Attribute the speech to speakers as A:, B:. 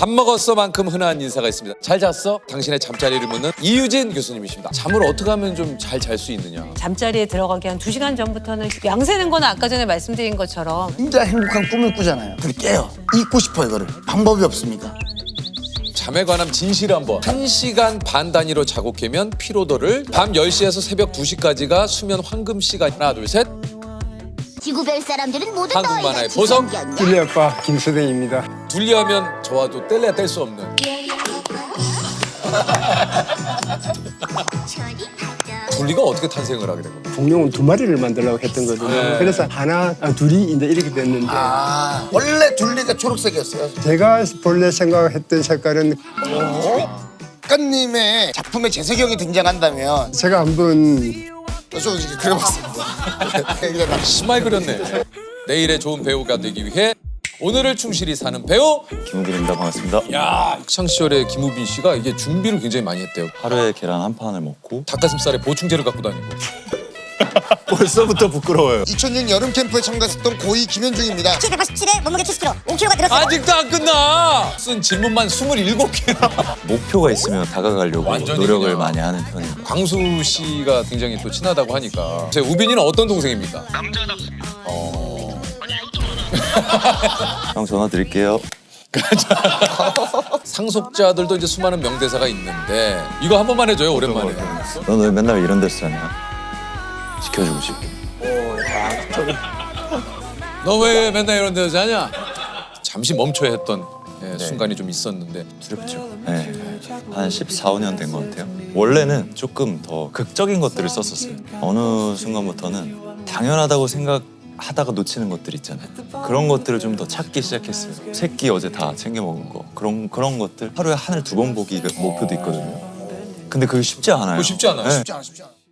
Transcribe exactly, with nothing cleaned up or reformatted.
A: 밥 먹었어만큼 흔한 인사가 있습니다. 잘 잤어? 당신의 잠자리를 묻는 이유진 교수님이십니다. 잠을 어떻게 하면 좀 잘 잘 수 있느냐?
B: 잠자리에 들어가기 한 두 시간 전부터는 양세는 거는 아까 전에 말씀드린 것처럼
C: 진짜 행복한 꿈을 꾸잖아요. 근데 깨요. 잊고 싶어 이거를. 방법이 없습니까?
A: 잠에 관한 진실 한번. 한 시간 반 단위로 자고 깨면 피로도를 밤 열 시에서 새벽 두 시까지가 수면 황금 시간. 하나 둘 셋.
D: 지구별 사람들은 모두
A: 한국
D: 너희가
A: 만화의 보석.
D: 지성견이야.
E: 둘리 아빠 김수댕입니다.
A: 둘리하면 저와도 뗄래야 뗄 수 없는. 둘리가 어떻게 탄생을 하게 된 겁니까?
E: 공룡은 두 마리를 만들려고 했던 거거든요.
A: 네.
E: 그래서 하나, 아, 둘이 이제 이렇게 됐는데
C: 아, 원래 둘리가 초록색이었어요.
E: 제가 본래 생각했던 색깔은
C: 작가님의 작품에 재석이 등장한다면
E: 제가 한번
C: 좀 이렇게 그려봤습니다.
A: 심하게 그렸네. 내일의 좋은 배우가 되기 위해 오늘을 충실히 사는 배우.
F: 김우빈입니다. 반갑습니다.
A: 야, 학창시절에 김우빈 씨가 이게 준비를 굉장히 많이 했대요.
F: 하루에 계란 한 판을 먹고
A: 닭가슴살에 보충제를 갖고 다니고.
F: 벌써부터 부끄러워요.
C: 이천 년 여름 캠프에 참가했던 고이 김현중입니다.
D: 키 백팔십칠에 몸무게 칠십 킬로그램, 오 킬로그램가 늘었어요.
A: 아직도 안 끝나. 쓴 질문만 스물일곱 개나.
F: 목표가 있으면 다가가려고
A: 완전히
F: 노력을
A: 그냥.
F: 많이 하는 편입니다.
A: 광수 씨가 굉장히 또 친하다고 하니까. 제 우빈이는 어떤 동생입니까? 남자답습니다. 어...
F: 형 전화 드릴게요.
A: 상속자들도 이제 수많은 명대사가 있는데 이거 한 번만 해줘요, 오랜만에.
F: 넌 왜 맨날 이런 데서 자냐? 지켜주고 싶고.
A: 너 왜 맨날 이런 데서 자냐? 잠시 멈춰야 했던 예, 순간이 좀 있었는데.
F: 두렵죠. 네. 한 십사, 오 년 된 것 같아요. 원래는 조금 더 극적인 것들을 썼었어요. 어느 순간부터는 당연하다고 생각하다가 놓치는 것들 있잖아요. 그런 것들을 좀 더 찾기 시작했어요. 새끼 어제 다 챙겨 먹은 거. 그런 그런 것들. 하루에 하늘 두 번 보기 목표도 있거든요. 근데 그게 쉽지 않아요.
A: 그거 쉽지 않아요.
F: 네.
C: 쉽지 않아, 쉽지 않아.